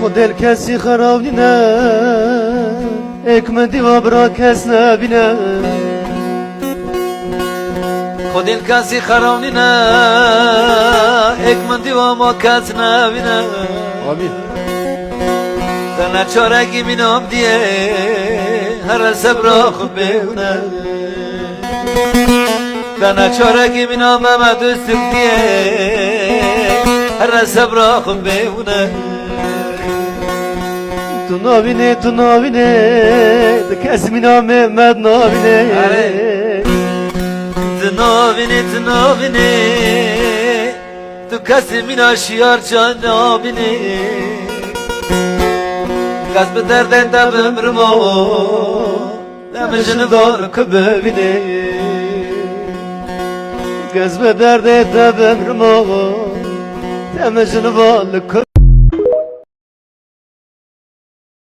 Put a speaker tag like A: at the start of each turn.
A: دل کسی خراب نه اکمدی و برا کس نبینه
B: خود دل کسی خراب نه اکمدی و ما کس نبینه
A: آمین
B: تنها چارگی مینام دیه هر صبر خود بهونه تنها چارگی مینام ما دوستم دیه هر صبر خود بهونه
A: تو نابینه ده کسی مینام محمد نابینه
B: تو نابینه تو کسی مینا شیار جان نابینه کس به درد دبم رما دمشن دار که ببینه
A: کس به درد دبم رما دمشن دار که